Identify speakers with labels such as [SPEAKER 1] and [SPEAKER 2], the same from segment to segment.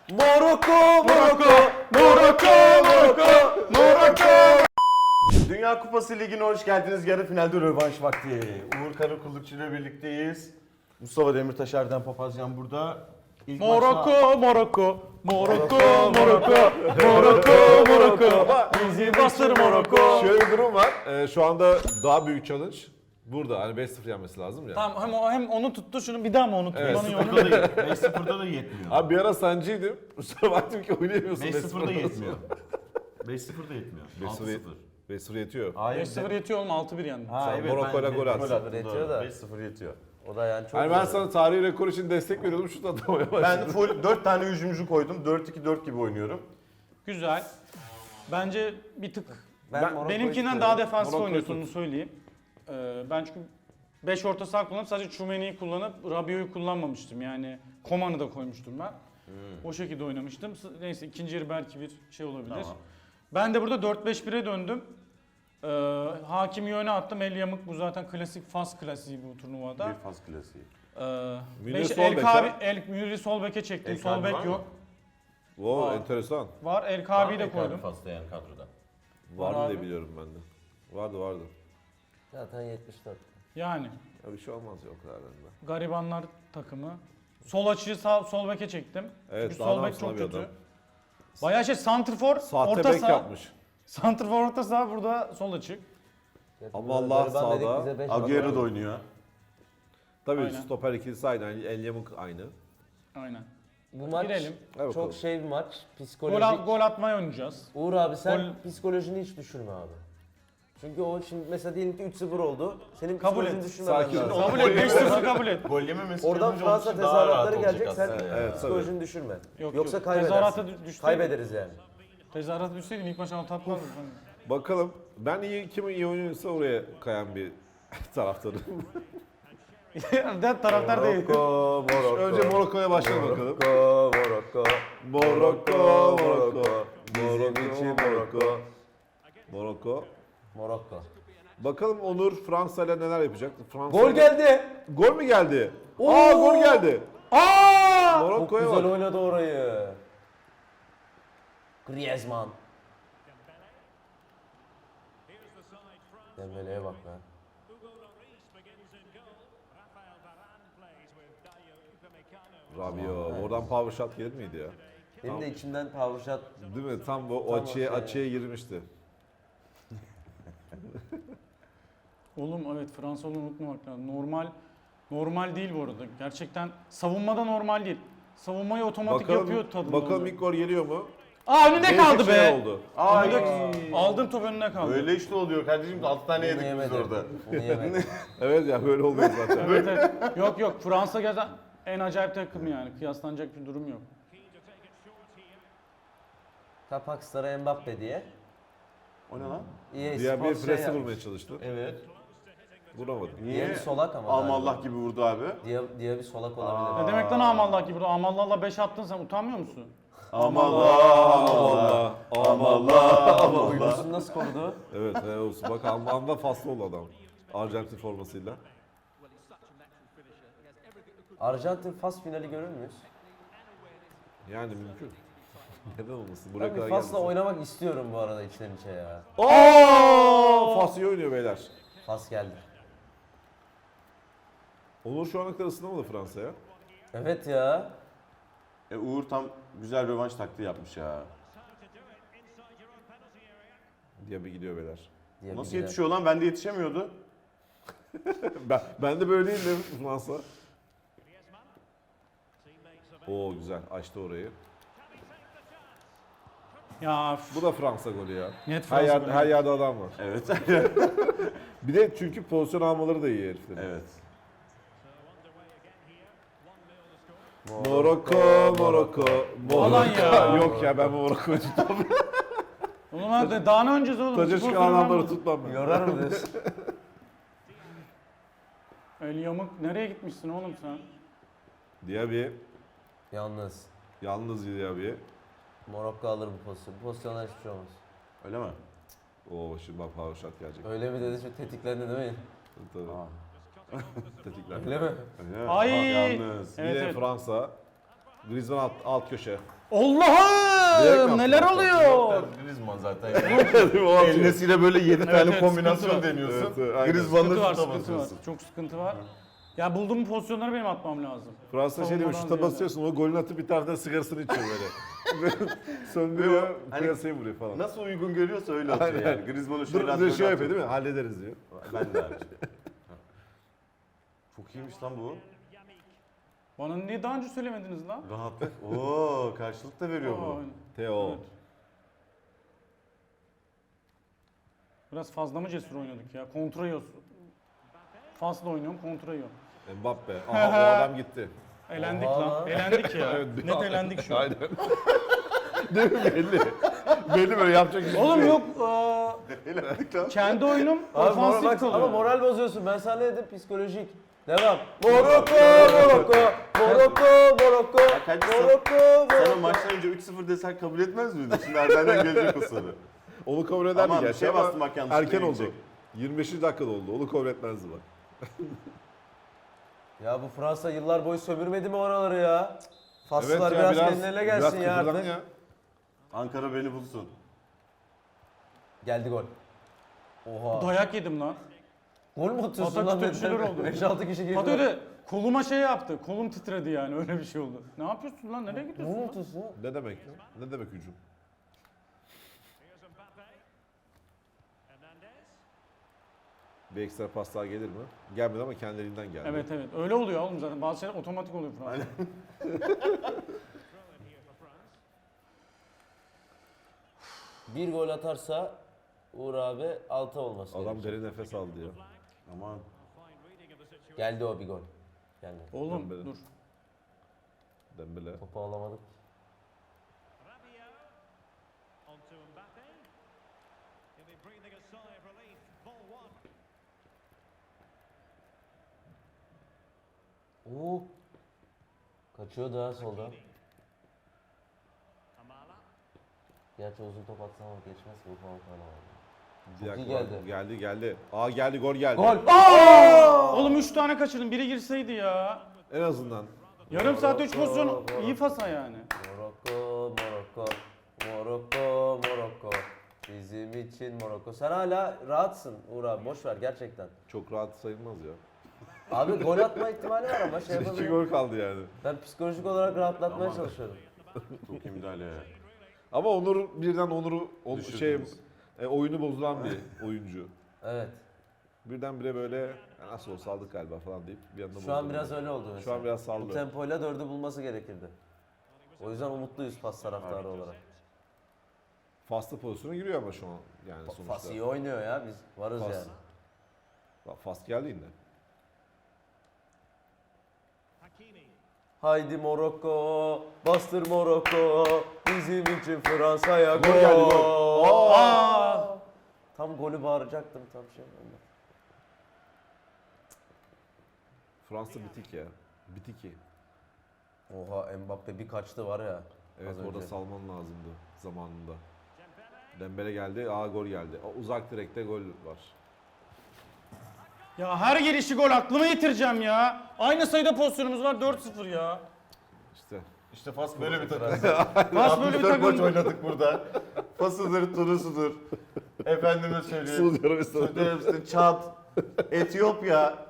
[SPEAKER 1] Morocco, Morocco, Morocco, Morocco, Morocco. Dünya Kupası Ligi'ne hoş geldiniz. Yarı finalde rövanş vakti. Uğur Karakullukçu ile birlikteyiz. Mustafa Demirtaş, Erdem Papazyan burada. İlk
[SPEAKER 2] Morocco, Morocco, Morocco, Morocco, Morocco, Morocco. Bizi bastır Morocco.
[SPEAKER 3] Şöyle bir durum var. Şu anda daha büyük challenge burada. Hani 5-0 yenmesi lazım ya.
[SPEAKER 2] Tamam hem onu tuttu şunu bir daha mı onu tuttu?
[SPEAKER 3] Evet.
[SPEAKER 2] Onu
[SPEAKER 1] 5-0'da da yetmiyor.
[SPEAKER 3] Abi bir ara sancıydım. Sonra baktım ki oynayamıyorsun.
[SPEAKER 1] 5-0'da yetmiyor. 5-0'da yetmiyor.
[SPEAKER 3] 5-0 5-0 yetiyor.
[SPEAKER 1] Hayır.
[SPEAKER 2] 5-0 yetiyor oğlum 6-1 yendi.
[SPEAKER 1] Ha,
[SPEAKER 3] Sen
[SPEAKER 1] evet,
[SPEAKER 3] Morocco'yla gol attın.
[SPEAKER 4] Yetiyor da.
[SPEAKER 1] 5-0 yetiyor.
[SPEAKER 4] O da yani çok
[SPEAKER 3] Hani ben
[SPEAKER 4] zor.
[SPEAKER 3] sana tarihi rekor için destek veriyordum. Şut atamaya başladım.
[SPEAKER 1] Ben full 4 tane hücumcu koydum. 4-2-4 gibi oynuyorum.
[SPEAKER 2] Güzel. Bence bir tık
[SPEAKER 4] Morocco'yu
[SPEAKER 2] benimkinden
[SPEAKER 4] tutuyorum.
[SPEAKER 2] daha defansif
[SPEAKER 3] Morocco'yu
[SPEAKER 2] oynuyorsun
[SPEAKER 3] tut.
[SPEAKER 2] onu söyleyeyim. Ben çünkü 5 orta saha kullanıp sadece Tchouaméni'yi kullanıp Rabiot'u kullanmamıştım. Yani Coman'ı da koymuştum ben. O şekilde oynamıştım. Neyse ikinci yarı belki bir şey olabilir.
[SPEAKER 1] Tamam.
[SPEAKER 2] Ben de burada 4-5-1'e döndüm. Hakimi öne attım. El yamuk bu zaten klasik Fas klasiği bu turnuvada.
[SPEAKER 1] Bir faz klasiği.
[SPEAKER 3] Münir
[SPEAKER 2] Beş,
[SPEAKER 3] sol
[SPEAKER 2] El
[SPEAKER 3] bek
[SPEAKER 2] Kabi,
[SPEAKER 3] ha?
[SPEAKER 2] Münir'i sol beke çektim.
[SPEAKER 1] El
[SPEAKER 2] Sol
[SPEAKER 1] Kabi
[SPEAKER 2] bek
[SPEAKER 1] var mı?
[SPEAKER 2] yok.
[SPEAKER 3] Wow,
[SPEAKER 2] Aa.
[SPEAKER 3] enteresan.
[SPEAKER 2] Var. El Kabi'yi de koydum.
[SPEAKER 1] Fas'ta yani kadroda.
[SPEAKER 3] Vardı
[SPEAKER 2] abi.
[SPEAKER 3] diye biliyorum ben de. Vardı.
[SPEAKER 4] Zaten 74.
[SPEAKER 2] Yani
[SPEAKER 3] Ya bir şey olmaz ya o kadar da.
[SPEAKER 2] garibanlar takımı. Sol açıyı sol beke çektim.
[SPEAKER 3] Evet,
[SPEAKER 2] Çünkü
[SPEAKER 3] daha
[SPEAKER 2] sol
[SPEAKER 3] ne
[SPEAKER 2] bek
[SPEAKER 3] yapsın
[SPEAKER 2] çok
[SPEAKER 3] abi
[SPEAKER 2] kötü.
[SPEAKER 3] adam?
[SPEAKER 2] Bayağı santrfor,
[SPEAKER 3] Sahte
[SPEAKER 2] orta
[SPEAKER 3] bek
[SPEAKER 2] saha.
[SPEAKER 3] yapmış.
[SPEAKER 2] Santrfor orta saha burada sol açık.
[SPEAKER 3] Ama Allah
[SPEAKER 4] Gariban dedik,
[SPEAKER 3] sağda.
[SPEAKER 4] bize beş
[SPEAKER 1] Agüero
[SPEAKER 4] var.
[SPEAKER 1] da oynuyor.
[SPEAKER 3] Tabii
[SPEAKER 2] Aynen.
[SPEAKER 3] stoper ikilisi aynı. El Yamuk aynı.
[SPEAKER 2] Aynen.
[SPEAKER 4] Bu maç
[SPEAKER 2] Girelim.
[SPEAKER 3] Hadi bakalım.
[SPEAKER 4] çok şey bir maç.
[SPEAKER 2] Gol,
[SPEAKER 4] Psikolojik.
[SPEAKER 2] gol atmaya oynayacağız.
[SPEAKER 4] Uğur abi sen
[SPEAKER 2] Gol-
[SPEAKER 4] psikolojini hiç düşürme abi. Çünkü o şimdi mesela diyelim ki 3-0 oldu. Senin
[SPEAKER 2] Kabul
[SPEAKER 4] psikolojini
[SPEAKER 2] et.
[SPEAKER 4] düşürmemen
[SPEAKER 3] Sakin
[SPEAKER 4] lazım.
[SPEAKER 3] ol.
[SPEAKER 2] Kabul et. 5-0 kabul et.
[SPEAKER 1] Gol yememesi
[SPEAKER 4] Oradan
[SPEAKER 1] challenge
[SPEAKER 4] Fransa
[SPEAKER 1] olduğu için daha rahat
[SPEAKER 4] tezahüratları
[SPEAKER 1] olacak
[SPEAKER 4] gelecek. Sen
[SPEAKER 1] aslında
[SPEAKER 3] Evet,
[SPEAKER 4] psikolojini düşürme.
[SPEAKER 2] Yok,
[SPEAKER 4] Yoksa
[SPEAKER 2] yok.
[SPEAKER 4] kaybedersin.
[SPEAKER 2] Tezahürata düşseydim-
[SPEAKER 4] Kaybederiz yani.
[SPEAKER 2] Tezahürata düşseydim ilk maç alt atmazdım.
[SPEAKER 3] Bakalım. Ben kim iyi oynuyorsa oraya kayan bir taraftarım.
[SPEAKER 2] Taraftar değil.
[SPEAKER 4] Morocco, Morocco.
[SPEAKER 3] Önce Morocco'ya başlayalım bakalım.
[SPEAKER 4] Morocco,
[SPEAKER 3] Morocco, Morocco.
[SPEAKER 4] Bizim için Morocco.
[SPEAKER 3] Morocco.
[SPEAKER 4] Morocco.
[SPEAKER 3] Bakalım Onur Fransa ile neler yapacak? Fransa
[SPEAKER 4] Gol geldi.
[SPEAKER 3] Gol mü geldi?
[SPEAKER 4] Oo!
[SPEAKER 3] Aa gol geldi.
[SPEAKER 2] Aa!
[SPEAKER 4] Çok
[SPEAKER 3] Morocco'ya
[SPEAKER 4] güzel
[SPEAKER 3] bak.
[SPEAKER 4] oynadı orayı. Griezmann. Dembele'ye bak be.
[SPEAKER 3] Rabiot. Oradan power shot gelir miydi ya?
[SPEAKER 4] Benim de içimden power shot.
[SPEAKER 3] Değil mi? Tam o
[SPEAKER 4] Tam
[SPEAKER 3] açıya,
[SPEAKER 4] o şey.
[SPEAKER 3] açıya girmişti.
[SPEAKER 2] Oğlum evet Fransalı unutmamak lazım. Normal değil bu arada. Gerçekten savunmada normal değil. Savunmayı otomatik yapıyor tadında.
[SPEAKER 3] Bakalım
[SPEAKER 2] oluyor.
[SPEAKER 3] ilk gol geliyor mu?
[SPEAKER 2] Aa önünde
[SPEAKER 3] Değişik
[SPEAKER 2] kaldı
[SPEAKER 3] şey
[SPEAKER 2] be.
[SPEAKER 3] oldu.
[SPEAKER 2] Aldım top önüne kaldı.
[SPEAKER 1] Öyle işte oluyor kardeşim. 6 tane
[SPEAKER 4] Onu
[SPEAKER 1] yedik biz
[SPEAKER 4] yemedi.
[SPEAKER 1] orada.
[SPEAKER 4] Onu yemedi.
[SPEAKER 3] Evet ya böyle oluyor zaten.
[SPEAKER 2] Evet, evet. Yok Fransa gerçekten en acayip takım yani. Kıyaslanacak bir durum yok.
[SPEAKER 4] Kapakslara Mbappe diye.
[SPEAKER 1] O ne lan?
[SPEAKER 4] EA
[SPEAKER 3] Diğer bir
[SPEAKER 4] Sports
[SPEAKER 3] presi
[SPEAKER 4] yapmış.
[SPEAKER 3] vurmaya çalıştı.
[SPEAKER 1] Evet.
[SPEAKER 3] Vuramadı.
[SPEAKER 4] Diğer bir solak ama.
[SPEAKER 1] Amallah gibi vurdu abi.
[SPEAKER 4] Diye bir solak olabilir.
[SPEAKER 2] Ne demek lan amallah gibi? Amallah'la 5 attın sen utanmıyor musun?
[SPEAKER 1] Amallah. Amallah.
[SPEAKER 4] Uygusunu nasıl korudu?
[SPEAKER 3] Evet olsun. Bak anda faslı oldu adam. Arjantin formasıyla.
[SPEAKER 4] Arjantin Fas finali görür müyüz?
[SPEAKER 3] Yani mümkün. Neden olmasın? Buraya
[SPEAKER 4] Ben bir
[SPEAKER 3] kadar
[SPEAKER 4] Fas'la
[SPEAKER 3] gelmesin.
[SPEAKER 4] oynamak istiyorum bu arada içten içe ya.
[SPEAKER 3] Fas iyi oynuyor beyler.
[SPEAKER 4] Fas geldi.
[SPEAKER 3] Onur şu ana kadar ısınamadı Fransa'ya.
[SPEAKER 4] Evet ya.
[SPEAKER 1] Uğur tam güzel rövanş taktiği yapmış ya.
[SPEAKER 3] Diye bir gidiyor beyler.
[SPEAKER 4] Diye
[SPEAKER 1] Nasıl
[SPEAKER 4] bir
[SPEAKER 1] yetişiyor lan? Bende yetişemiyordu.
[SPEAKER 3] Ben de böyleydim Fransa. Oo güzel açtı orayı.
[SPEAKER 2] Ya
[SPEAKER 3] Bu da Fransa golü ya.
[SPEAKER 2] net
[SPEAKER 3] Her,
[SPEAKER 2] Fransa
[SPEAKER 3] yer,
[SPEAKER 2] golü.
[SPEAKER 3] her yerde adam var.
[SPEAKER 1] Evet.
[SPEAKER 3] Bir de çünkü pozisyon almaları da iyi heriflerin.
[SPEAKER 1] Evet.
[SPEAKER 3] Morocco.
[SPEAKER 2] Alan ya.
[SPEAKER 3] Yok ya ben Morocco'yu tutmam.
[SPEAKER 2] Oğlum hadi daha ne oynayacağız oğlum?
[SPEAKER 3] Taca
[SPEAKER 2] Spor
[SPEAKER 3] çıkan
[SPEAKER 2] falan
[SPEAKER 3] adamları
[SPEAKER 2] mı?
[SPEAKER 3] tutmam ben.
[SPEAKER 4] Yorar mı diyorsun?
[SPEAKER 2] El yamuk nereye gitmişsin oğlum sen?
[SPEAKER 3] Diaby.
[SPEAKER 4] Yalnız
[SPEAKER 3] Yalnız Diaby.
[SPEAKER 4] Morocco alır bu pozisyonu. Bu pozisyondan hiçbir şey olmaz.
[SPEAKER 1] Öyle mi?
[SPEAKER 3] Oo şimdi bak power shot gelecek.
[SPEAKER 4] Öyle mi dedi? Şu tetiklendi değil mi?
[SPEAKER 3] Tabii. Tetikler.
[SPEAKER 4] Öyle mi?
[SPEAKER 1] Öyle mi?
[SPEAKER 2] Ay!
[SPEAKER 1] Yalnız.
[SPEAKER 2] Evet,
[SPEAKER 3] Yine
[SPEAKER 2] evet.
[SPEAKER 3] Fransa. Griezmann alt köşe.
[SPEAKER 2] Allah'ım neler
[SPEAKER 3] yaptın?
[SPEAKER 2] oluyor?
[SPEAKER 1] Griezmann zaten.
[SPEAKER 3] O atıyor.
[SPEAKER 1] Elinesiyle böyle 7
[SPEAKER 2] Evet,
[SPEAKER 1] tane
[SPEAKER 2] evet,
[SPEAKER 1] kombinasyon
[SPEAKER 2] sıkıntı var.
[SPEAKER 1] deniyorsun.
[SPEAKER 3] Evet, evet, aynen.
[SPEAKER 1] Griezmann'la
[SPEAKER 2] Sıkıntı var,
[SPEAKER 1] şuta
[SPEAKER 2] sıkıntı var.
[SPEAKER 1] basıyorsun.
[SPEAKER 2] Çok sıkıntı var. Ya bulduğum pozisyonları benim atmam lazım.
[SPEAKER 3] Fransa şey diyor,
[SPEAKER 2] Savunmadan
[SPEAKER 3] şuta
[SPEAKER 2] ziyade.
[SPEAKER 3] basıyorsun, o golünü atıp bir taraftan sigarasını içiyor böyle. Söndürüyor,
[SPEAKER 1] Hani-
[SPEAKER 3] piyasayı vuruyor falan.
[SPEAKER 1] Nasıl uygun görüyorsa öyle atıyor
[SPEAKER 3] Aynen.
[SPEAKER 1] yani. Griezmann'ı
[SPEAKER 3] Dur,
[SPEAKER 1] şöyle
[SPEAKER 3] dur
[SPEAKER 1] atıyor.
[SPEAKER 3] şey yapıyor değil mi? Hallederiz diyor.
[SPEAKER 1] Ben de abi. Çok iyiymiş lan bu.
[SPEAKER 2] Bana niye daha önce söylemediniz lan?
[SPEAKER 1] Rahatlık. Oo, karşılık da veriyor
[SPEAKER 2] Aa,
[SPEAKER 1] bu.
[SPEAKER 2] aynen.
[SPEAKER 3] Teo.
[SPEAKER 2] Evet. Biraz fazla mı cesur oynadık ya? Kontra yiyoruz. Fasla oynuyorum, kontra yiyorum.
[SPEAKER 3] Mbappe. Aha o adam gitti.
[SPEAKER 2] Elendik
[SPEAKER 4] Oha
[SPEAKER 2] lan.
[SPEAKER 4] lan.
[SPEAKER 2] Elendik ya.
[SPEAKER 3] Evet,
[SPEAKER 2] Net elendik şu an.
[SPEAKER 3] Aynen. Değil mi belli? Belli böyle yapacak hiçbir
[SPEAKER 2] Oğlum
[SPEAKER 3] şey
[SPEAKER 2] yok.
[SPEAKER 1] Eğlendik lan.
[SPEAKER 2] Kendi oyunum
[SPEAKER 4] Abi
[SPEAKER 2] ofansif
[SPEAKER 4] bak,
[SPEAKER 2] kalıyor.
[SPEAKER 4] ama moral bozuyorsun. Ben sana ne dedim? Psikolojik. Devam. Morocco, Morocco, Morocco, Morocco,
[SPEAKER 1] kanka
[SPEAKER 4] Morocco,
[SPEAKER 1] Sana
[SPEAKER 4] Morocco.
[SPEAKER 1] maçtan önce 3-0 desen kabul etmez miydin? Şimdi Erdem'den gelecek o soru.
[SPEAKER 3] Onu kabul ederdi
[SPEAKER 1] Aman,
[SPEAKER 3] gerçi
[SPEAKER 1] şey
[SPEAKER 3] ama
[SPEAKER 1] bastım bak, yanlışlıkla
[SPEAKER 3] erken oldu.
[SPEAKER 1] gidecek.
[SPEAKER 3] 25. dakikada oldu. Onu kabul etmezdi bak.
[SPEAKER 4] Ya bu Fransa yıllar boyu sömürmedi mi oraları ya? Faslılar
[SPEAKER 3] ya,
[SPEAKER 4] biraz kendilerine gelsin ya
[SPEAKER 3] kıpırdan
[SPEAKER 4] artık.
[SPEAKER 3] ya.
[SPEAKER 1] Ankara beni bulsun.
[SPEAKER 4] Geldi gol. Oha.
[SPEAKER 2] Dayak yedim lan.
[SPEAKER 4] Gol mu atıyorsun
[SPEAKER 2] Atak
[SPEAKER 4] lan?
[SPEAKER 2] tütüşüler oldu.
[SPEAKER 4] 5-6 kişi girdi.
[SPEAKER 2] Hatta öyle koluma şey yaptı. Kolum titredi yani öyle bir şey oldu. Ne yapıyorsun lan? Nereye
[SPEAKER 4] Ne
[SPEAKER 2] gidiyorsun? lan?
[SPEAKER 4] atıyorsun?
[SPEAKER 3] Ne demek ya? Ne demek hücum? Bir ekstra pas daha gelir mi? Gelmedi ama kendiliğinden geldi.
[SPEAKER 2] Evet evet. Öyle oluyor oğlum zaten. Bazı şeyler otomatik oluyor Fransa.
[SPEAKER 4] Bir gol atarsa Uğur abi 6 olması
[SPEAKER 3] Adam
[SPEAKER 4] gerekiyor.
[SPEAKER 3] derin nefes aldı ya.
[SPEAKER 1] Aman.
[SPEAKER 4] Geldi o bir gol. Geldi.
[SPEAKER 2] Oğlum
[SPEAKER 3] Dembele.
[SPEAKER 2] dur.
[SPEAKER 3] Dembele.
[SPEAKER 4] Topu alamadık. Oo. Kaçıyor daha solda. Gerçi uzun top atsam ama geçmez ki bu falan var.
[SPEAKER 3] Bir
[SPEAKER 4] Çok iyi
[SPEAKER 3] dakika,
[SPEAKER 4] geldi.
[SPEAKER 3] Geldi geldi. Aa geldi gol geldi.
[SPEAKER 4] Gol!
[SPEAKER 2] Oğlum 3 tane kaçırdım. Biri girseydi ya.
[SPEAKER 3] En azından.
[SPEAKER 2] Yarım saatte 3 pozisyon
[SPEAKER 4] Morocco.
[SPEAKER 2] iyi fasa yani.
[SPEAKER 4] Morocco, Morocco, Morocco, Morocco. Bizim için Morocco. Sen hala rahatsın Uğur abi. Boş ver gerçekten.
[SPEAKER 3] Çok rahat sayılmaz ya.
[SPEAKER 4] Abi gol atma ihtimali var ama şey
[SPEAKER 3] 2
[SPEAKER 4] yapamıyorum.
[SPEAKER 3] gol kaldı yani.
[SPEAKER 4] Ben psikolojik olarak rahatlatmaya
[SPEAKER 1] Aman.
[SPEAKER 4] çalışıyorum.
[SPEAKER 1] Çok iyi müdahale ya.
[SPEAKER 3] Ama Onur'u
[SPEAKER 1] Düşürdünüz.
[SPEAKER 3] oyunu bozulan bir oyuncu.
[SPEAKER 4] Evet.
[SPEAKER 3] Birdenbire böyle "Ya nasıl olsa aldık galiba falan deyip bir anda
[SPEAKER 4] Şu an
[SPEAKER 3] bozdu.
[SPEAKER 4] biraz öyle oldu mesela.
[SPEAKER 3] Şu an biraz
[SPEAKER 4] Bu
[SPEAKER 3] saldı.
[SPEAKER 4] tempoyla 4'ü bulması gerekirdi. O yüzden umutluyuz pas taraftarı olarak.
[SPEAKER 3] Faslı pozisyona giriyor ama şu an yani sonuçta.
[SPEAKER 4] Fas iyi oynuyor ya biz varız
[SPEAKER 3] Fas.
[SPEAKER 4] yani.
[SPEAKER 3] Bak Fas geldi yine.
[SPEAKER 4] Haydi Morocco, bastır Morocco, bizim için Fransa'ya gol.
[SPEAKER 3] Gol geldi, gol.
[SPEAKER 2] Aa!
[SPEAKER 4] Tam golü bağıracaktım tam şey oldu.
[SPEAKER 3] Fransa bitik ya. Bitik ki.
[SPEAKER 4] Oha Mbappe bir kaçtı var ya.
[SPEAKER 3] Evet
[SPEAKER 4] az
[SPEAKER 3] orada
[SPEAKER 4] önce.
[SPEAKER 3] salman lazımdı zamanında. Dembele geldi, gol geldi. Uzak direkte gol var.
[SPEAKER 2] Ya her gelişi gol aklıma yitireceğim ya. Aynı sayıda pozisyonumuz var 4-0 ya.
[SPEAKER 3] İşte
[SPEAKER 1] İşte Fas böyle bir takım.
[SPEAKER 2] Fas böyle bir
[SPEAKER 1] 64 maç
[SPEAKER 2] takım.
[SPEAKER 1] oynadık burada. Fasıdır, Tunus'udur. Efendime söyleyeyim.
[SPEAKER 3] Suudi Arabistan.
[SPEAKER 1] Suudi Arabistan, Çad, Etiyopya.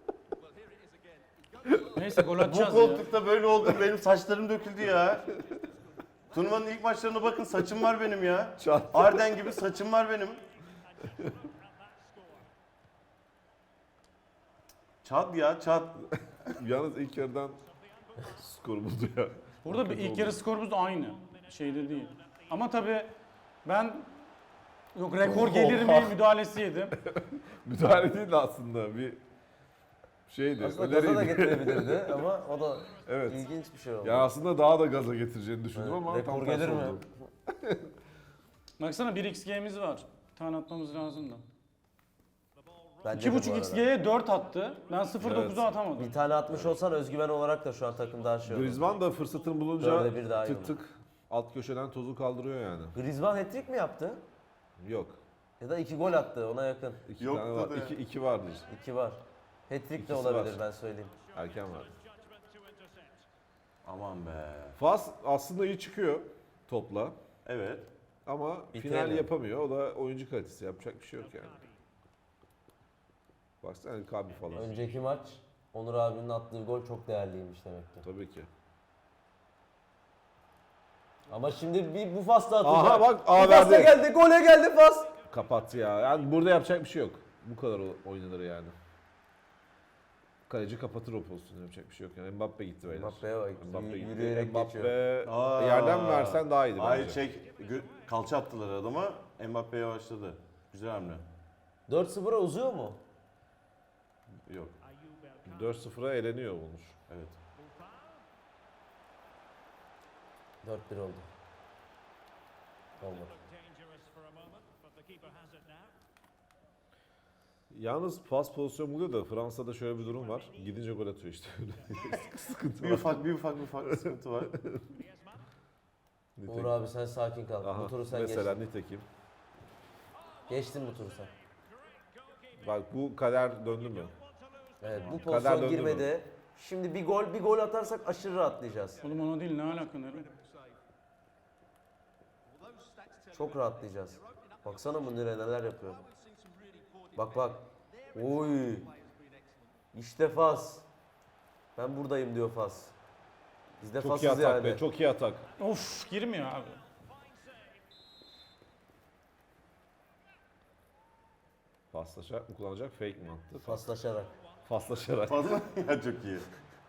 [SPEAKER 2] Neyse gol
[SPEAKER 1] Bu
[SPEAKER 2] atacağız ya.
[SPEAKER 1] koltukta böyle oldu. Benim saçlarım döküldü ya. Turnuvanın ilk maçlarına bakın, saçım var benim ya.
[SPEAKER 3] Çat.
[SPEAKER 1] Arden gibi saçım var benim. Çad ya, Çad.
[SPEAKER 3] Yalnız ilk yarıdan skor buldu ya.
[SPEAKER 2] Burada bir ilk yarı skorumuz da aynı. Şeyde değil. Ama tabii ben yok rekor gelir mi müdahalesi yedim.
[SPEAKER 3] Müdahale değil de aslında bir şeydi.
[SPEAKER 4] Aslında gaza da
[SPEAKER 3] öneriydi.
[SPEAKER 4] getirebilirdi ama o da
[SPEAKER 3] Evet.
[SPEAKER 4] ilginç bir şey oldu.
[SPEAKER 3] Ya aslında daha da gaza getireceğini düşündüm
[SPEAKER 4] Evet,
[SPEAKER 3] ama
[SPEAKER 4] rekor
[SPEAKER 3] tam tersi
[SPEAKER 4] gelir mi?
[SPEAKER 3] oldu.
[SPEAKER 2] Baksana 1xg'miz var. Bir tane atmamız lazım da.
[SPEAKER 4] Bence de bu arada.
[SPEAKER 2] 2.5xg'ye 4 attı. Ben 0.9'a
[SPEAKER 3] Evet.
[SPEAKER 2] atamadım.
[SPEAKER 4] Bir tane atmış olsan özgüven olarak da şu an takım daha şey olur.
[SPEAKER 3] Griezmann da fırsatını bulunca
[SPEAKER 4] Dörde bir daha iyi
[SPEAKER 3] tık tık alt köşeden tozu kaldırıyor yani.
[SPEAKER 4] Griezmann hat-trick mi yaptı?
[SPEAKER 3] Yok.
[SPEAKER 4] Ya da 2 gol attı ona yakın.
[SPEAKER 3] İki
[SPEAKER 1] Yok
[SPEAKER 3] tane var.
[SPEAKER 1] da ya.
[SPEAKER 3] İki vardır.
[SPEAKER 4] 2 var. Hat-trick de
[SPEAKER 3] İkisi
[SPEAKER 4] olabilir
[SPEAKER 3] var.
[SPEAKER 4] ben söyleyeyim.
[SPEAKER 3] Erken var.
[SPEAKER 1] Aman be.
[SPEAKER 3] Fas aslında iyi çıkıyor topla
[SPEAKER 1] Evet.
[SPEAKER 3] ama
[SPEAKER 4] Bitemiyor.
[SPEAKER 3] final yapamıyor. O da oyuncu kalitesi. Yapacak bir şey yok yani. Baksana Kabi falan.
[SPEAKER 4] Önceki maç Onur abinin attığı gol çok değerliymiş demek ki.
[SPEAKER 3] Tabii ki.
[SPEAKER 4] Ama şimdi bir bu Fas da atacak.
[SPEAKER 3] Aha bak
[SPEAKER 4] Bu
[SPEAKER 3] A
[SPEAKER 4] Fas da
[SPEAKER 3] verdi.
[SPEAKER 4] geldi. Gole geldi Fas.
[SPEAKER 3] Kapattı ya. Yani burada yapacak bir şey yok. Bu kadar oynanır yani. Kaleci kapatır o pozisyonu, yapacak bir şey yok yani. Mbappe gitti beyler.
[SPEAKER 4] Mbappe'ye bak.
[SPEAKER 3] Mbappe gitti.
[SPEAKER 4] Yürüyerek
[SPEAKER 3] Mbappe
[SPEAKER 4] geçiyor.
[SPEAKER 3] yerden mi versen daha iyiydi
[SPEAKER 1] Hayır
[SPEAKER 3] bence.
[SPEAKER 1] kalça attılar adama. Mbappe yavaşladı. Güzel hamle.
[SPEAKER 4] 4-0'a uzuyor mu?
[SPEAKER 1] Yok.
[SPEAKER 3] 4-0'a eleniyor Onur.
[SPEAKER 1] Evet.
[SPEAKER 4] 4-1 oldu. Olmadı.
[SPEAKER 3] Yalnız pas pozisyon buluyor da Fransa'da şöyle bir durum var. Gidince gol atıyor işte. Sıkıntı
[SPEAKER 1] Bir
[SPEAKER 3] var.
[SPEAKER 1] ufak sıkıntı var.
[SPEAKER 4] Uğur abi sen sakin kal.
[SPEAKER 3] Aha,
[SPEAKER 4] Bu turu sen
[SPEAKER 3] mesela
[SPEAKER 4] geçtin.
[SPEAKER 3] nitekim.
[SPEAKER 4] Geçtin bu turu sen.
[SPEAKER 3] Bak bu kader döndü mü?
[SPEAKER 4] Evet bu
[SPEAKER 3] Kader
[SPEAKER 4] pozisyon
[SPEAKER 3] döndü
[SPEAKER 4] girmedi. Şimdi bir gol atarsak aşırı rahatlayacağız.
[SPEAKER 2] Oğlum ona değil, ne alaka nereye?
[SPEAKER 4] Çok rahatlayacağız. Baksana Münir'e neler yapıyor. Bak bak. Oy. İşte Fas. Ben buradayım diyor Fas. Biz de
[SPEAKER 3] Çok iyi
[SPEAKER 4] Fas'ız
[SPEAKER 3] atak
[SPEAKER 4] yani.
[SPEAKER 3] be, çok iyi atak.
[SPEAKER 2] Of, girmiyor abi.
[SPEAKER 3] Paslaşarak mı kullanacak, fake mi attı?
[SPEAKER 4] Faslaşarak.
[SPEAKER 3] Paslaşarak.
[SPEAKER 1] Fazla ya çok iyi.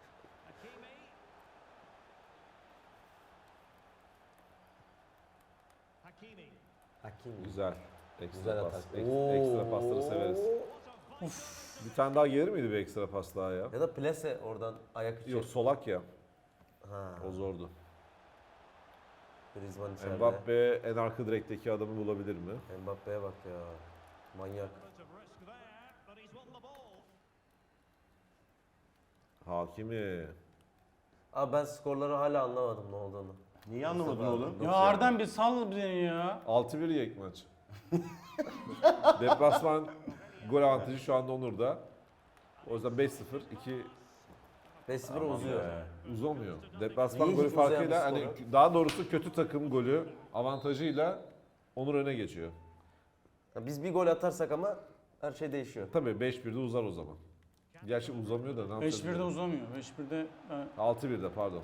[SPEAKER 4] Hakimi.
[SPEAKER 3] Güzel. Ekstra
[SPEAKER 4] Güzel
[SPEAKER 3] pas.
[SPEAKER 4] atak.
[SPEAKER 3] Ekstra pasları severiz. Bir tane daha gelir miydi bir ekstra pas daha ya?
[SPEAKER 4] Ya da plase oradan ayak içi.
[SPEAKER 3] Yok, solak ya.
[SPEAKER 4] Ha.
[SPEAKER 3] O zordu.
[SPEAKER 4] Griezmann içeride.
[SPEAKER 3] Mbappe en arka direkteki adamı bulabilir mi?
[SPEAKER 4] Mbappe'ye bak ya. Manyak.
[SPEAKER 3] Hakimi.
[SPEAKER 4] Abi ben skorları hala anlamadım ne olduğunu.
[SPEAKER 1] Niye anlamadın
[SPEAKER 4] Mustafa abi.
[SPEAKER 1] oğlum?
[SPEAKER 2] Ya Arden bir sal beni ya.
[SPEAKER 3] 6-1 yek maç. Deplasman gol avantajı şu anda Onur'da. O yüzden 5-0, 2
[SPEAKER 4] 5-0
[SPEAKER 1] Aman
[SPEAKER 4] uzuyor.
[SPEAKER 1] be.
[SPEAKER 3] uzamıyor. Deplasman
[SPEAKER 4] Niye
[SPEAKER 3] golü
[SPEAKER 4] hiç uzayan
[SPEAKER 3] farkıyla
[SPEAKER 4] bir
[SPEAKER 3] hani
[SPEAKER 4] skoru?
[SPEAKER 3] daha doğrusu kötü takım golü avantajıyla Onur öne geçiyor.
[SPEAKER 4] Ya biz bir gol atarsak ama her şey değişiyor.
[SPEAKER 3] Tabii 5-1'de uzar o zaman. Gerçi uzamıyor da ne yapacağız?
[SPEAKER 2] 5-1'de
[SPEAKER 3] bilmiyorum.
[SPEAKER 2] uzamıyor. 5-1'de
[SPEAKER 3] 6-1'de pardon.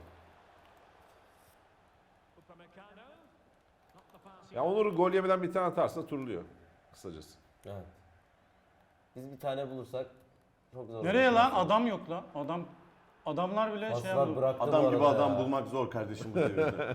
[SPEAKER 3] Ya Onur gol yemeden bir tane atarsa turluyor kısacası.
[SPEAKER 4] Evet. Biz bir tane bulursak çok zor.
[SPEAKER 2] nereye
[SPEAKER 4] olur.
[SPEAKER 2] lan? Adam yok lan. Adamlar bile şey
[SPEAKER 4] Paslar
[SPEAKER 2] yapıyor.
[SPEAKER 4] bıraktı bu
[SPEAKER 1] Adam gibi
[SPEAKER 4] arada
[SPEAKER 1] adam
[SPEAKER 4] ya.
[SPEAKER 1] bulmak zor kardeşim bu devirde.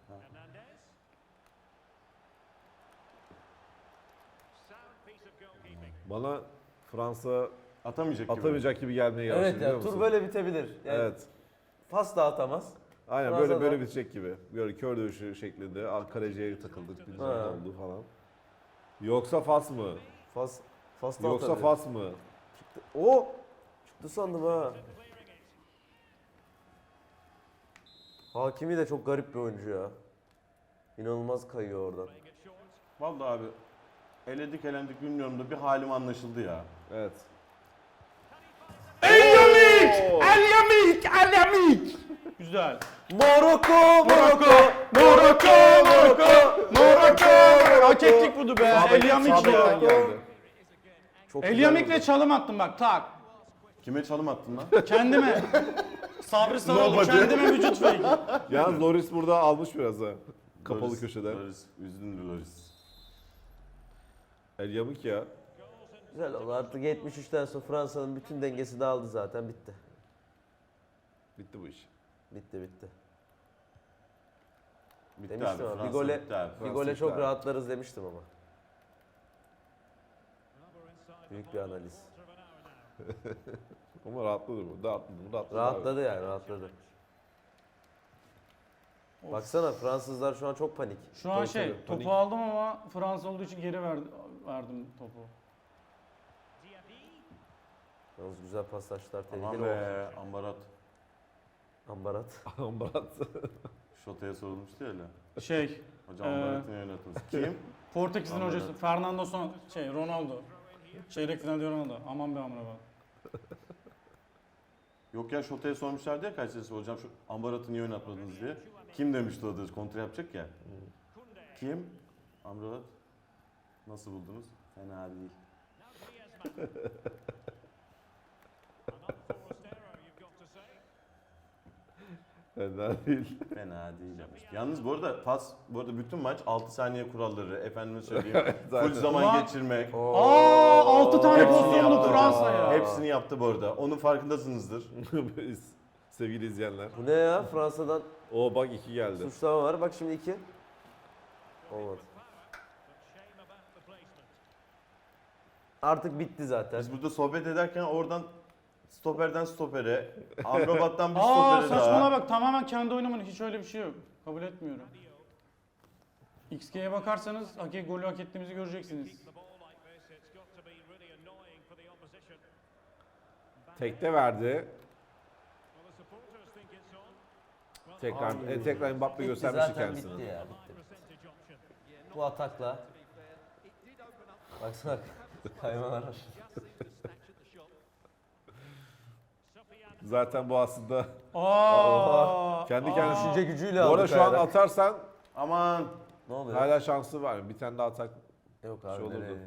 [SPEAKER 3] Bana Fransa
[SPEAKER 1] Atamayacak gibi.
[SPEAKER 3] atamayacak gibi gelmeye başladı
[SPEAKER 4] Evet
[SPEAKER 3] biliyor
[SPEAKER 4] ya
[SPEAKER 3] musun?
[SPEAKER 4] tur böyle bitebilir. Yani
[SPEAKER 3] Evet.
[SPEAKER 4] Fas da atamaz.
[SPEAKER 3] Aynen
[SPEAKER 4] Fransa'da-
[SPEAKER 3] böyle bitecek gibi. Böyle kör dövüşü şeklinde. Kaleciye takıldık bilmem ne
[SPEAKER 4] Ha.
[SPEAKER 3] oldu falan. Yoksa Fas mı?
[SPEAKER 4] Fas da
[SPEAKER 3] Yoksa
[SPEAKER 4] atabilir.
[SPEAKER 3] Fas mı?
[SPEAKER 4] O çıktı sandım ha. Hakimi de çok garip bir oyuncu ya. İnanılmaz kayıyor oradan.
[SPEAKER 1] Vallahi abi elendik bilmiyorum da bir halim anlaşıldı ya.
[SPEAKER 3] Evet.
[SPEAKER 2] Güzel.
[SPEAKER 4] Morocco,
[SPEAKER 2] Morocco! Hak ettik bunu be. Elyamik
[SPEAKER 3] Sağdan
[SPEAKER 2] ya.
[SPEAKER 3] geldi.
[SPEAKER 4] Çok güzel
[SPEAKER 2] Elyamik'le
[SPEAKER 4] oldu.
[SPEAKER 2] çalım attım bak tak.
[SPEAKER 1] Kime çalım attın lan?
[SPEAKER 2] Kendime. Sabri Sarıoğlu
[SPEAKER 1] Nobody.
[SPEAKER 2] kendime vücut fake.
[SPEAKER 3] Yalnız Loris burada almış biraz ha. Kapalı
[SPEAKER 1] Loris,
[SPEAKER 3] köşeden.
[SPEAKER 1] Loris, üzdün Loris.
[SPEAKER 3] El yamuk ya.
[SPEAKER 4] Güzel oldu. Artık 73'ten sonra Fransa'nın bütün dengesi dağıldı zaten. Bitti.
[SPEAKER 3] Bitti bu iş.
[SPEAKER 4] Bitti.
[SPEAKER 1] Bitti
[SPEAKER 4] Demiştim
[SPEAKER 1] abi.
[SPEAKER 4] ama
[SPEAKER 1] Fransa
[SPEAKER 4] bir gole,
[SPEAKER 1] bitti abi.
[SPEAKER 4] bir
[SPEAKER 3] Fransa
[SPEAKER 4] gole
[SPEAKER 3] bitti
[SPEAKER 4] çok
[SPEAKER 3] abi.
[SPEAKER 4] rahatlarız demiştim ama. Büyük bir analiz.
[SPEAKER 3] Ama rahatladı bu. Rahatladı abi.
[SPEAKER 4] Rahatladı yani rahatladı. Baksana Fransızlar şu an çok panik.
[SPEAKER 2] Şu an
[SPEAKER 3] Tabii,
[SPEAKER 2] şey
[SPEAKER 3] tabii,
[SPEAKER 2] topu
[SPEAKER 3] panik.
[SPEAKER 2] aldım ama Fransa olduğu için geri verdim topu.
[SPEAKER 4] Yalnız güzel paslaşlar
[SPEAKER 1] Aman
[SPEAKER 4] tehlikeli
[SPEAKER 1] be Ambarat.
[SPEAKER 4] Ambarat.
[SPEAKER 3] Ambarat.
[SPEAKER 1] Şota'ya sorulmuştu ya öyle.
[SPEAKER 2] Şey
[SPEAKER 1] Hocam Ambarat'ı niye oynatınız? Kim?
[SPEAKER 2] Portekiz'in
[SPEAKER 1] Anladım.
[SPEAKER 2] hocası Fernando Ronaldo. Çeyrek finalde Ronaldo. Aman be amına bak.
[SPEAKER 1] Yok ya Şota'ya sormuşlardı ya kaç sesi hocam şu Amrabat'ı niye oynatmadınız diye. Kim demişti o da kontra yapacak ya. Kim? Amrabat. Nasıl buldunuz? Fena değil.
[SPEAKER 3] Fena değil.
[SPEAKER 1] Fena değil demiş. Yalnız bu arada bütün maç 6 saniye kuralları, efendime söyleyeyim.
[SPEAKER 3] Zaten.
[SPEAKER 1] Full zaman
[SPEAKER 2] Ulan-
[SPEAKER 1] geçirmek.
[SPEAKER 2] Aa 6 tane
[SPEAKER 1] Hepsini
[SPEAKER 2] pozisyonlu
[SPEAKER 1] yaptı
[SPEAKER 2] Fransa
[SPEAKER 1] hocam.
[SPEAKER 2] ya.
[SPEAKER 1] Hepsini yaptı bu arada. Onun farkındasınızdır.
[SPEAKER 3] Sevgili izleyenler.
[SPEAKER 4] Bu ne ya? Fransa'dan
[SPEAKER 3] O bak 2 geldi.
[SPEAKER 4] suçlama var. Bak şimdi 2. Olmadı. Artık bitti zaten.
[SPEAKER 1] Biz burada sohbet ederken oradan stoperden stopere, Amrabat'tan bir
[SPEAKER 2] Aa
[SPEAKER 1] stopere
[SPEAKER 2] saçmalama
[SPEAKER 1] daha.
[SPEAKER 2] bak tamamen kendi oynamanı hiç öyle bir şey yok. Kabul etmiyorum. XG'ye bakarsanız golü hak ettiğimizi göreceksiniz.
[SPEAKER 3] Tekte verdi. Tekrar
[SPEAKER 4] Abi.
[SPEAKER 3] tekrar Mbappe
[SPEAKER 4] Bitti
[SPEAKER 3] göstermişti
[SPEAKER 4] zaten
[SPEAKER 3] kendisini.
[SPEAKER 4] bitti ya. Bitti. Bu atakla. Baksana kaymalar var.
[SPEAKER 3] Zaten bu aslında
[SPEAKER 2] Aa,
[SPEAKER 3] kendi
[SPEAKER 2] aa.
[SPEAKER 3] kendine
[SPEAKER 4] Düşünce gücüyle
[SPEAKER 3] Bu
[SPEAKER 4] aldı
[SPEAKER 3] arada şu an
[SPEAKER 4] kayarak.
[SPEAKER 3] atarsan
[SPEAKER 1] Aman.
[SPEAKER 4] Ne oluyor?
[SPEAKER 3] hala şansı var. Bir tane daha atak
[SPEAKER 4] Yok abi
[SPEAKER 3] şey olurdu.
[SPEAKER 4] nereye?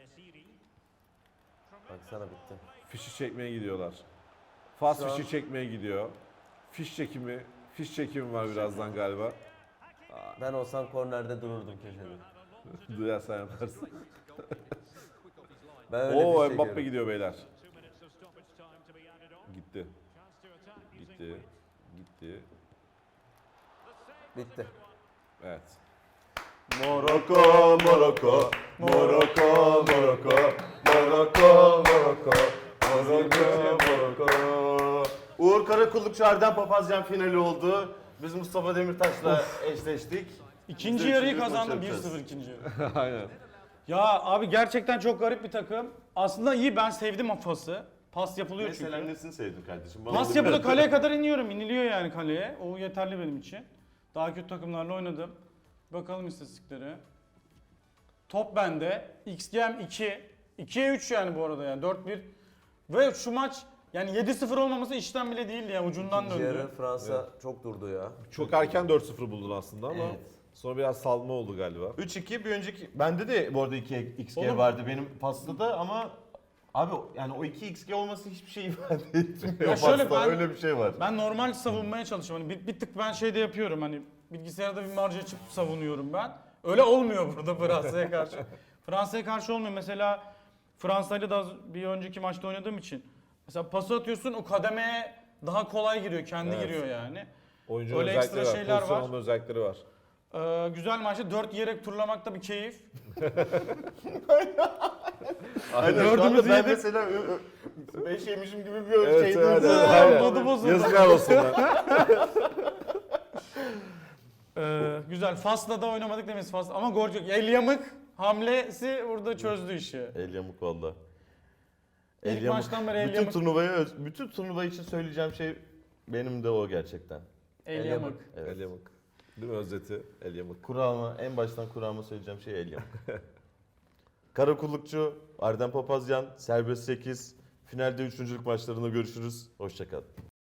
[SPEAKER 4] Baksana bitti.
[SPEAKER 3] fişi çekmeye gidiyorlar. Fas
[SPEAKER 4] Şu an-
[SPEAKER 3] fişi çekmeye gidiyor. Fiş çekimi var birazdan galiba.
[SPEAKER 4] Ben olsam kornerde dururdum köşede.
[SPEAKER 3] Duyarsan yaparsın.
[SPEAKER 4] Ben öyle
[SPEAKER 3] Oo
[SPEAKER 4] fiş
[SPEAKER 3] Mbappe
[SPEAKER 4] çekiyorum.
[SPEAKER 3] gidiyor beyler. Gitti. Gitti. Gitti.
[SPEAKER 4] Bitti.
[SPEAKER 3] Evet.
[SPEAKER 1] Morocco, Morocco, Morocco, Morocco, Morocco, Morocco, Morocco, Morocco. Uğur Karakullukçu Arden Papazyan finali oldu. Biz Mustafa Demirtaş'la eşleştik.
[SPEAKER 2] İkinci
[SPEAKER 1] Biz de
[SPEAKER 2] yarıyı
[SPEAKER 1] üçüncü maçı
[SPEAKER 2] kazandı
[SPEAKER 1] yapacağız.
[SPEAKER 2] 1-0 ikinci yarı.
[SPEAKER 3] Aynen.
[SPEAKER 2] Ya abi gerçekten çok garip bir takım. Aslında iyi ben sevdim o pası. Pas yapılıyor
[SPEAKER 1] Mesela
[SPEAKER 2] çünkü.
[SPEAKER 1] nesini sevdin kardeşim? Bana
[SPEAKER 2] Pas
[SPEAKER 1] onu
[SPEAKER 2] yapılıyor
[SPEAKER 1] biraz-
[SPEAKER 2] kaleye kadar iniyorum. İniliyor yani kaleye. O yeterli benim için. Daha kötü takımlarla oynadım. Bakalım istatistiklere. Top bende. XG'm 2. 2'ye 3 yani bu arada yani 4-1. Ve şu maç yani 7-0 olmaması işten bile değildi ya ucundan
[SPEAKER 4] İkinci
[SPEAKER 2] döndü.
[SPEAKER 4] yarı Fransa çok durdu ya.
[SPEAKER 3] Çok erken 4-0 buldun aslında ama
[SPEAKER 4] Evet.
[SPEAKER 3] sonra biraz salma oldu galiba.
[SPEAKER 1] 3-2 bir önceki bende de bu arada 2 XG
[SPEAKER 2] Oğlum-
[SPEAKER 1] vardı benim pasta da ama abi yani o 2 XG olması hiçbir şey ifade etmiyor.
[SPEAKER 2] Ya şöyle
[SPEAKER 1] pasta,
[SPEAKER 2] ben-
[SPEAKER 1] öyle bir şey var.
[SPEAKER 2] Ben normal savunmaya çalışıyorum. Hani bir tık ben şey de yapıyorum hani bilgisayarda bir marj açıp savunuyorum ben. Öyle olmuyor burada Fransa'ya karşı. Fransa'ya karşı olmuyor. Mesela Fransa'yla da bir önceki maçta oynadığım için. Mesela pası atıyorsun o kademeye daha kolay giriyor. Kendi
[SPEAKER 3] Evet.
[SPEAKER 2] giriyor yani.
[SPEAKER 3] Oyuncunun
[SPEAKER 2] Öyle
[SPEAKER 3] özellikleri
[SPEAKER 2] ekstra
[SPEAKER 3] var.
[SPEAKER 2] şeyler
[SPEAKER 3] Pozisyon
[SPEAKER 2] var.
[SPEAKER 3] alma özellikleri var.
[SPEAKER 2] Güzel maçta 4 yiyerek turlamak da bir keyif.
[SPEAKER 1] Aynen, şu
[SPEAKER 2] dördümüz
[SPEAKER 1] anda ben
[SPEAKER 2] yedik.
[SPEAKER 1] mesela 5 yemişim gibi bir
[SPEAKER 3] Evet,
[SPEAKER 1] şeydim.
[SPEAKER 3] evet,
[SPEAKER 2] evet,
[SPEAKER 3] aynen.
[SPEAKER 2] modu bozuldu.
[SPEAKER 3] Yazıklar olsun. lan.
[SPEAKER 2] Güzel. Fas'la da oynamadık demeyiz Fas. Ama gol yok. El yamık hamlesi burada çözdü işi.
[SPEAKER 1] El yamuk valla.
[SPEAKER 2] İlk maçtan beri el
[SPEAKER 1] bütün
[SPEAKER 2] yamuk.
[SPEAKER 1] bütün turnuva için söyleyeceğim şey benim de o gerçekten.
[SPEAKER 2] El yamık.
[SPEAKER 1] Evet.
[SPEAKER 3] El yamuk. Değil mi özeti? El yamuk.
[SPEAKER 1] Kurağıma, en baştan kurağıma söyleyeceğim şey el yamuk. Karakullukçu, Arden Papazyan, Serbest 8. Finalde üçüncülük maçlarında görüşürüz. Hoşçakalın.